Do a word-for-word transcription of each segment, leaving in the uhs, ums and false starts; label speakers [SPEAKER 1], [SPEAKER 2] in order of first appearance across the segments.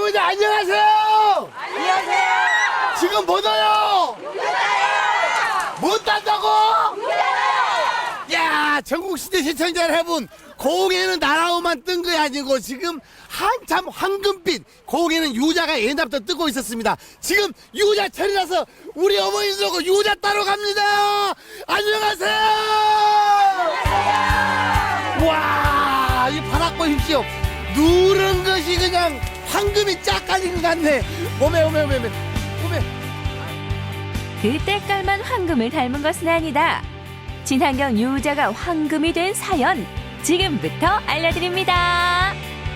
[SPEAKER 1] 여러분들 안녕하세요.
[SPEAKER 2] 안녕하세요.
[SPEAKER 1] 지금 뭐 넣어요? 못 딴다고? 야, 전국시대 시청자 여러분, 고흥에는 나라오만 뜬 게 아니고 지금 한참 황금빛 고흥에는 유자가 옛날부터 뜨고 있었습니다. 지금 유자철이라서 우리 어머니들하고 유자 따러 갑니다. 안녕하세요. 와, 이 바닥 보십시오. 누런 것이 그냥 황금이 쫙 깔린 것 같네. 오메 오메 오메 오메 오메.
[SPEAKER 3] 그 때깔만 황금을 닮은 것은 아니다. 친환경 유자가 황금이 된 사연 지금부터 알려드립니다.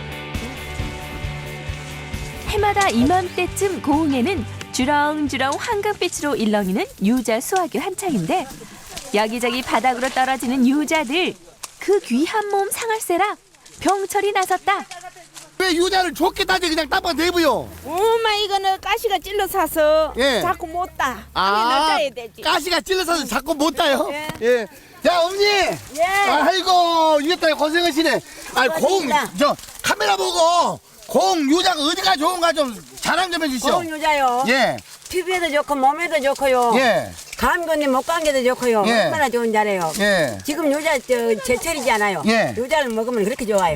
[SPEAKER 3] 해마다 이맘때쯤 고흥에는 주렁주렁 황금빛으로 일렁이는 유자 수확이 한창인데 여기저기 바닥으로 떨어지는 유자들 그 귀한 몸 상할세라 병철이 나섰다.
[SPEAKER 1] 왜 유자를 좋게 따지 그냥 따봐 대부요.
[SPEAKER 2] 엄마 이거는 가시가 찔러 사서
[SPEAKER 1] 예.
[SPEAKER 2] 자꾸 못 따.
[SPEAKER 1] 아,
[SPEAKER 2] 따야 되지.
[SPEAKER 1] 가시가 찔러서 자꾸 못 따요.
[SPEAKER 2] 예.
[SPEAKER 1] 예. 자, 어머니.
[SPEAKER 2] 예.
[SPEAKER 1] 아이고, 이겼다 고생하시네. 아, 공, 저 카메라 보고 공 유자가 어디가 좋은가 좀 자랑 좀 해주시오.
[SPEAKER 2] 고운 유자요.
[SPEAKER 1] 예.
[SPEAKER 2] 피부에도 좋고 몸에도 좋고요.
[SPEAKER 1] 예.
[SPEAKER 2] 감건이 목감기도 좋고요.
[SPEAKER 1] 예.
[SPEAKER 2] 얼마나 좋은 자래요.
[SPEAKER 1] 예.
[SPEAKER 2] 지금 유자 저 제철이지 않아요.
[SPEAKER 1] 예.
[SPEAKER 2] 유자를 먹으면 그렇게 좋아요.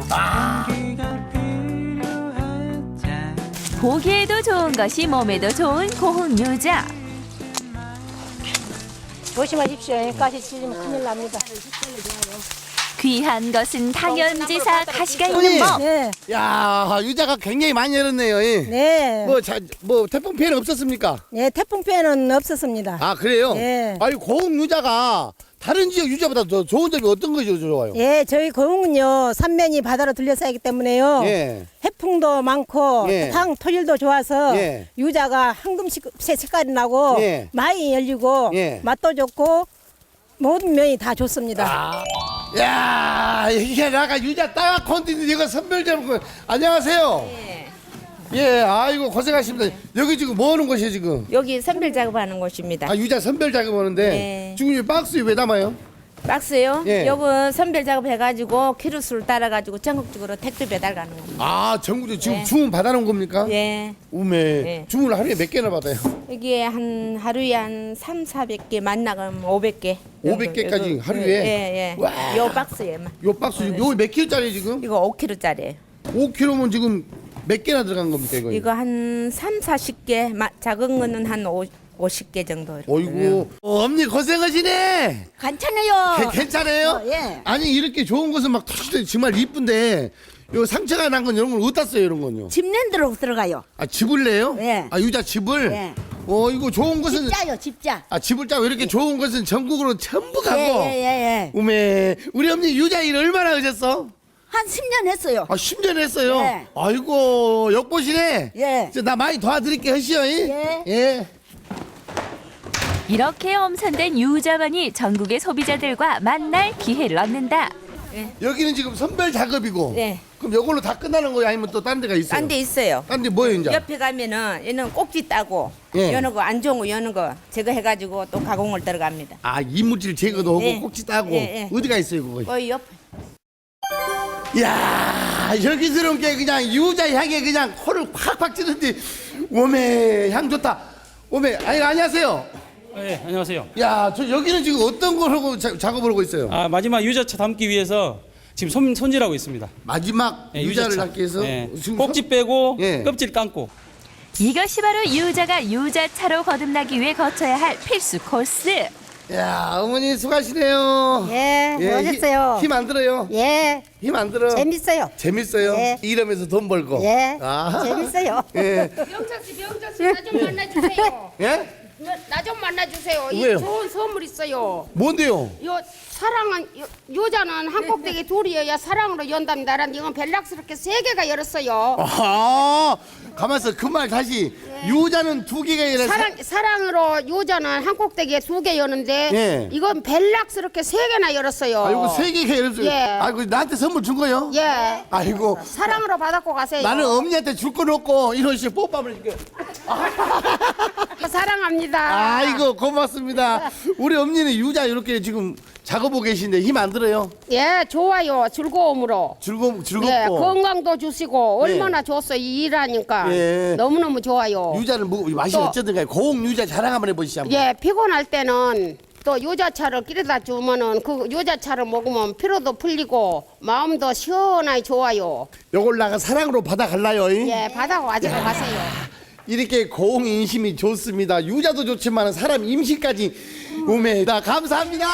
[SPEAKER 3] 보기에도 좋은 것이 몸에도 좋은 고흥 유자.
[SPEAKER 2] 조심하십시오. 가시 찔리면 큰일 납니다.
[SPEAKER 3] 귀한 것은 당연지사 가시가 있는 법.
[SPEAKER 2] 네.
[SPEAKER 1] 야, 유자가 굉장히 많이 열었네요. 예.
[SPEAKER 4] 네.
[SPEAKER 1] 뭐, 자, 뭐 태풍 피해는 없었습니까?
[SPEAKER 4] 네, 태풍 피해는 없었습니다.
[SPEAKER 1] 아, 그래요?
[SPEAKER 4] 예.
[SPEAKER 1] 아니, 고흥 유자가 다른 지역 유자보다 더 좋은 점이 어떤 것이 좋아요?
[SPEAKER 4] 예, 저희 고흥은요, 삼면이 바다로 둘러싸이기 때문에요.
[SPEAKER 1] 예.
[SPEAKER 4] 해풍도 많고,
[SPEAKER 1] 예.
[SPEAKER 4] 땅 토질도 좋아서,
[SPEAKER 1] 예.
[SPEAKER 4] 유자가 황금색 색깔이 나고,
[SPEAKER 1] 예.
[SPEAKER 4] 많이 열리고,
[SPEAKER 1] 예.
[SPEAKER 4] 맛도 좋고, 모든 면이 다 좋습니다.
[SPEAKER 1] 아. 야, 이게 나가 유자 따가 콘티는 이거 선별 잡고. 안녕하세요.
[SPEAKER 5] 네.
[SPEAKER 1] 예, 아이고 고생하십니다. 여기 지금 뭐 하는 곳이에요 지금?
[SPEAKER 5] 여기 선별 작업하는 곳입니다.
[SPEAKER 1] 아, 유자 선별 작업하는데
[SPEAKER 5] 네.
[SPEAKER 1] 지금 이 박스에 왜 담아요?
[SPEAKER 5] 박스요?
[SPEAKER 1] 예.
[SPEAKER 5] 요건 선별 작업해가지고 키로수를 따라가지고 전국적으로 택배 배달 가는 겁니다.
[SPEAKER 1] 아, 전국에 지금
[SPEAKER 5] 네.
[SPEAKER 1] 주문 받아놓은 겁니까?
[SPEAKER 5] 예.
[SPEAKER 1] 우메.
[SPEAKER 5] 예.
[SPEAKER 1] 주문을 하루에 몇 개나 받아요?
[SPEAKER 5] 여기에 한 하루에 한 삼, 사백 개 만나가면 오백 개.
[SPEAKER 1] 오백 개까지 하루에?
[SPEAKER 5] 예, 예.
[SPEAKER 1] 와.
[SPEAKER 5] 요 박스에만.
[SPEAKER 1] 요 박스 지금 요몇 킬로짜리 지금?
[SPEAKER 5] 이거 오 킬로짜리.
[SPEAKER 1] 오 킬로면 지금 몇 개나 들어간 겁니까 이거?
[SPEAKER 5] 이거 한 삼, 사십 개. 마- 작은 거는 한 오, 오십 개 정도.
[SPEAKER 1] 어이구. 어, 엄니 고생하시네.
[SPEAKER 2] 괜찮아요.
[SPEAKER 1] 개- 괜찮아요?
[SPEAKER 2] 어, 예.
[SPEAKER 1] 아니 이렇게 좋은 것은 막 터지더니 정말 이쁜데 요 상처가 난 건 이런 걸 어디다 써요 이런 건요?
[SPEAKER 2] 집랜드로 들어가요.
[SPEAKER 1] 아, 집을 내요?
[SPEAKER 2] 예.
[SPEAKER 1] 아, 유자 집을?
[SPEAKER 2] 예.
[SPEAKER 1] 어, 이거 좋은 것은
[SPEAKER 2] 집자요, 집자.
[SPEAKER 1] 아, 집을 짜고 이렇게 좋은 것은 전국으로 전부 가고.
[SPEAKER 2] 예, 예, 예.
[SPEAKER 1] 우메, 우리 어머니 유자 일 얼마나 하셨어?
[SPEAKER 2] 한 십 년 했어요.
[SPEAKER 1] 아, 십 년 했어요.
[SPEAKER 2] 예.
[SPEAKER 1] 아이고, 역보시네.
[SPEAKER 2] 예.
[SPEAKER 1] 저 나 많이 도와드릴게 하시오.
[SPEAKER 2] 예.
[SPEAKER 1] 예.
[SPEAKER 3] 이렇게 엄선된 유자만이 전국의 소비자들과 만날 기회를 얻는다.
[SPEAKER 1] 여기는 지금 선별 작업이고.
[SPEAKER 5] 예.
[SPEAKER 1] 그럼 이걸로 다 끝나는 거예요? 아니면 또 다른 데가 있어요?
[SPEAKER 5] 딴 데 있어요.
[SPEAKER 1] 딴 데 뭐예요, 이제?
[SPEAKER 5] 옆에 가면은 얘는 꼭지 따고
[SPEAKER 1] 예.
[SPEAKER 5] 여는 거 안 좋은 거 여는 거 제거 해가지고 또 가공을 들어갑니다.
[SPEAKER 1] 아, 이물질 제거도 하고
[SPEAKER 5] 예.
[SPEAKER 1] 꼭지 따고.
[SPEAKER 5] 예, 예.
[SPEAKER 1] 어디가 있어요, 그거?
[SPEAKER 5] 거의 옆.
[SPEAKER 1] 이야, 여기스러운 게 그냥 유자 향에 그냥 코를 팍팍 찌는데, 오메, 향 좋다. 오메, 아니, 안녕하세요.
[SPEAKER 6] 네, 안녕하세요.
[SPEAKER 1] 야, 저 여기는 지금 어떤 걸 하고 자- 작업을 하고 있어요?
[SPEAKER 6] 아, 마지막 유자차 담기 위해서 지금 손, 손질하고 있습니다.
[SPEAKER 1] 마지막
[SPEAKER 6] 네,
[SPEAKER 1] 유자를
[SPEAKER 6] 유자차.
[SPEAKER 1] 담기 위해서?
[SPEAKER 6] 네,
[SPEAKER 1] 지금
[SPEAKER 6] 꼭지
[SPEAKER 1] 손-
[SPEAKER 6] 빼고
[SPEAKER 1] 예.
[SPEAKER 6] 껍질 감고.
[SPEAKER 3] 이것이 바로 유자가 유자차로 거듭나기 위해 거쳐야 할 필수 코스.
[SPEAKER 1] 야, 어머니 수고하시네요.
[SPEAKER 4] 예, 멋있어요.
[SPEAKER 1] 힘 안 들어요?
[SPEAKER 4] 예,
[SPEAKER 1] 힘 안 들어?
[SPEAKER 4] 재밌어요.
[SPEAKER 1] 재밌어요?
[SPEAKER 4] 예.
[SPEAKER 1] 일하면서 돈 벌고?
[SPEAKER 4] 예,
[SPEAKER 1] 아.
[SPEAKER 4] 재밌어요.
[SPEAKER 1] 예.
[SPEAKER 7] 명철 씨, 명철 씨, 나 좀 만나주세요.
[SPEAKER 1] 예?
[SPEAKER 7] 나 좀 만나주세요.
[SPEAKER 1] 왜요?
[SPEAKER 7] 이 좋은 선물 있어요.
[SPEAKER 1] 뭔데요?
[SPEAKER 7] 요 사랑은 요, 요자는 한 꼭대기 둘이어야 사랑으로 연답니다. 라는 이건 벨락스럽게 세 개가 열었어요.
[SPEAKER 1] 아, 가만있어. 그 말 다시. 유자는 두 개가 아니라
[SPEAKER 7] 사랑 사랑으로 요자는 한 꼭대기에 두 개 여는데
[SPEAKER 1] 예.
[SPEAKER 7] 이건 벨락스럽게 세 개나 열었어요.
[SPEAKER 1] 아, 이거 세 개가 열었어요.
[SPEAKER 7] 예.
[SPEAKER 1] 아이고, 나한테 선물 준 거요?
[SPEAKER 7] 예.
[SPEAKER 1] 아이고.
[SPEAKER 7] 사랑으로 받았고 가세요.
[SPEAKER 1] 나는 엄니한테 줄 건 없고 이런 식으로 뽀뽀하면 이렇게.
[SPEAKER 7] 사랑합니다.
[SPEAKER 1] 아이고 고맙습니다. 우리 엄니는 유자 이렇게 지금 작업하고 계신데 힘 안 들어요?
[SPEAKER 7] 예, 좋아요. 즐거움으로.
[SPEAKER 1] 즐거 즐겁고.
[SPEAKER 7] 예, 건강도 주시고
[SPEAKER 1] 네.
[SPEAKER 7] 얼마나 좋았어 이 일하니까
[SPEAKER 1] 예.
[SPEAKER 7] 너무너무 좋아요.
[SPEAKER 1] 유자는 뭐 맛이
[SPEAKER 7] 또-
[SPEAKER 1] 어쩌든가 고흥 유자 자랑 한번 해보시죠. 한번.
[SPEAKER 7] 예, 피곤할 때는 또 유자차를 끼려다 주면은 그 유자차를 먹으면 피로도 풀리고 마음도 시원하게 좋아요.
[SPEAKER 1] 요걸 나가 사랑으로 받아갈라요. 잉?
[SPEAKER 7] 예, 바다고 가지고 가세요.
[SPEAKER 1] 이렇게 고흥 인심이 좋습니다. 유자도 좋지만 사람 임신까지 우매다. 감사합니다.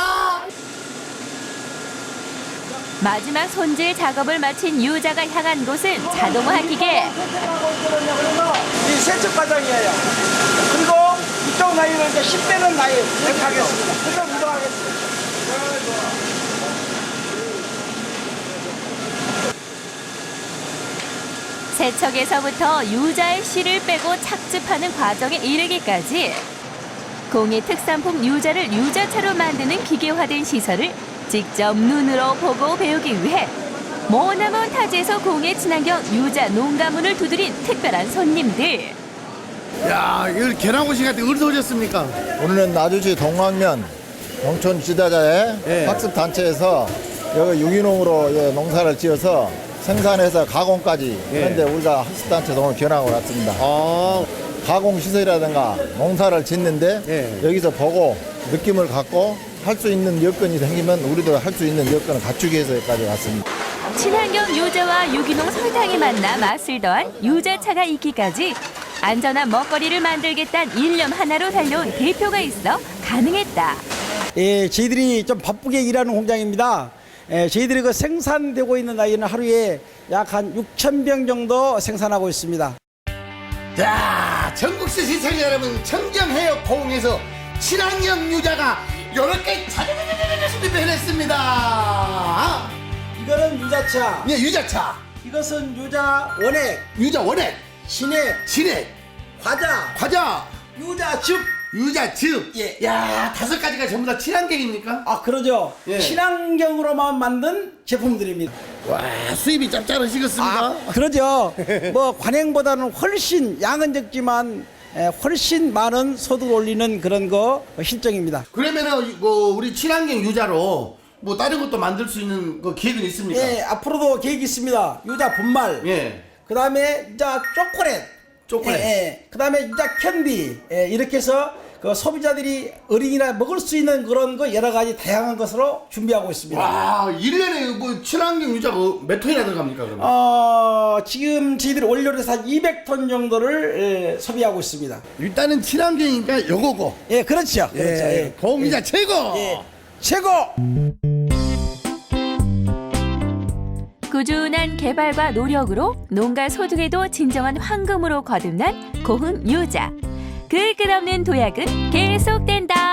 [SPEAKER 3] 마지막 손질 작업을 마친 유자가 향한 곳은 자동화 기계.
[SPEAKER 8] 이 세척 과정이에요. 그리고 이쪽 나이를 이제 십 대는 나이 이렇게 하겠습니다. 그럼 운동하겠습니다.
[SPEAKER 3] 세척에서부터 유자의 씨를 빼고 착즙하는 과정에 이르기까지 공의 특산품 유자를 유자차로 만드는 기계화된 시설을 직접 눈으로 보고 배우기 위해 머나먼 타지에서 공의 친환경 유자 농가문을 두드린 특별한 손님들.
[SPEAKER 1] 야, 이거 계란고시 같은 어디서 오셨습니까?
[SPEAKER 9] 오늘은 나주시 동광면 농촌 지도자의
[SPEAKER 1] 예.
[SPEAKER 9] 학습 단체에서 여기 유기농으로 이 농사를 지어서 생산해서 가공까지
[SPEAKER 1] 예.
[SPEAKER 9] 그런데 우리가 학습 단체에서 오늘 견학을 왔습니다.
[SPEAKER 1] 아,
[SPEAKER 9] 가공 시설이라든가 농사를 짓는데
[SPEAKER 1] 예.
[SPEAKER 9] 여기서 보고 느낌을 갖고 할 수 있는 여건이 생기면 우리도 할 수 있는 여건을 갖추기 위해서 여기까지 왔습니다.
[SPEAKER 3] 친환경 유자와 유기농 설탕이 만나 맛을 더한 유자차가 있기까지 안전한 먹거리를 만들겠다는 일념 하나로 달려온 대표가 있어 가능했다.
[SPEAKER 8] 예, 저희들이 좀 바쁘게 일하는 공장입니다. 예, 저희들이 그 생산되고 있는 나이는 하루에 약 한 육천 병 정도 생산하고 있습니다.
[SPEAKER 1] 자, 전국시 시청자 여러분, 청정해역 고흥에서 친환경 유자가 이렇게 자자자자자자 해냈습니다.
[SPEAKER 8] 이거는 유자차,
[SPEAKER 1] 예, 유자차,
[SPEAKER 8] 이것은 유자 원액,
[SPEAKER 1] 유자 원액,
[SPEAKER 8] 신액,
[SPEAKER 1] 진액,
[SPEAKER 8] 과자,
[SPEAKER 1] 과자,
[SPEAKER 8] 유자즙.
[SPEAKER 1] 유자즙.
[SPEAKER 8] 예.
[SPEAKER 1] 야, 다섯 가지가 전부 다 친환경입니까?
[SPEAKER 8] 아, 그러죠.
[SPEAKER 1] 예.
[SPEAKER 8] 친환경으로만 만든 제품들입니다.
[SPEAKER 1] 와, 수입이 짭짤하시겠습니까?
[SPEAKER 8] 아, 그러죠. 뭐 관행보다는 훨씬 양은 적지만 에, 훨씬 많은 소득을 올리는 그런 거 실정입니다.
[SPEAKER 1] 그러면은 뭐 우리 친환경 유자로 뭐 다른 것도 만들 수 있는 그 기획은 있습니까?
[SPEAKER 8] 예, 앞으로도 계획이 있습니다. 유자 분말.
[SPEAKER 1] 예.
[SPEAKER 8] 그다음에 유자 초콜릿.
[SPEAKER 1] 초콜릿.
[SPEAKER 8] 예, 예. 그다음에 유자 캔디. 예, 이렇게 해서 그 소비자들이 어린이나 먹을 수 있는 그런 거 여러 가지 다양한 것으로 준비하고 있습니다.
[SPEAKER 1] 와, 일 년에 뭐 친환경 유자가 몇 톤이나 들어갑니까, 그러면?
[SPEAKER 8] 어, 지금 저희들이 원료로 해서 한 이백 톤 정도를 예, 소비하고 있습니다.
[SPEAKER 1] 일단은 친환경이니까 요거고.
[SPEAKER 8] 예, 그렇죠. 그렇죠. 예.
[SPEAKER 1] 고흥 유자 최고.
[SPEAKER 8] 예. 최고!
[SPEAKER 3] 꾸준한 개발과 노력으로 농가 소득에도 진정한 황금으로 거듭난 고흥 유자. 그 끝없는 도약은 계속된다.